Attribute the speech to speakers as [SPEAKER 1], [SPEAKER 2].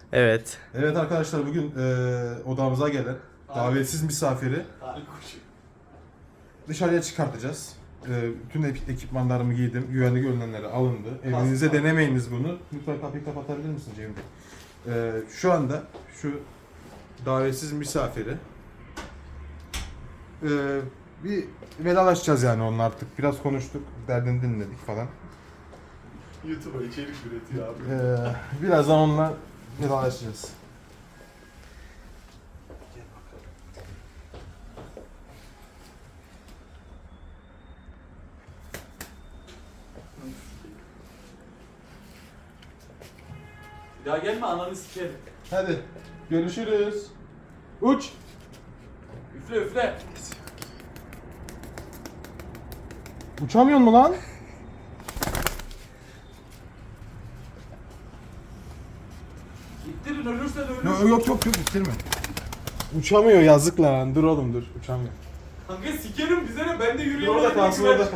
[SPEAKER 1] Evet.
[SPEAKER 2] Evet arkadaşlar bugün odamıza gelen davetsiz misafiri dışarıya çıkartacağız. Bütün ekipmanlarımı giydim. Güvenlik önlemleri alındı. Evinize denemeyiniz bunu. Lütfen kapıyı kapatabilir misin Cemil Bey? Şu anda şu davetsiz misafiri bir vedalaşacağız yani onunla artık. Biraz konuştuk, derdini dinledik falan.
[SPEAKER 3] YouTube'a içerik üretiyor abi.
[SPEAKER 2] Birazdan onunla vedalaşacağız.
[SPEAKER 3] Bir daha gelme ananı sikerim.
[SPEAKER 2] Hadi görüşürüz. Uç.
[SPEAKER 3] Üfle üfle.
[SPEAKER 2] Uçamıyor mu lan?
[SPEAKER 3] İttirin ölürsen ölür.
[SPEAKER 2] Yok bitirme. Uçamıyor yazık lan. Dur oğlum dur. Uçamıyor.
[SPEAKER 3] Kanka sikerim bize ne ben de
[SPEAKER 2] Dur
[SPEAKER 3] yürüyorum.
[SPEAKER 2] orada kalsın orada.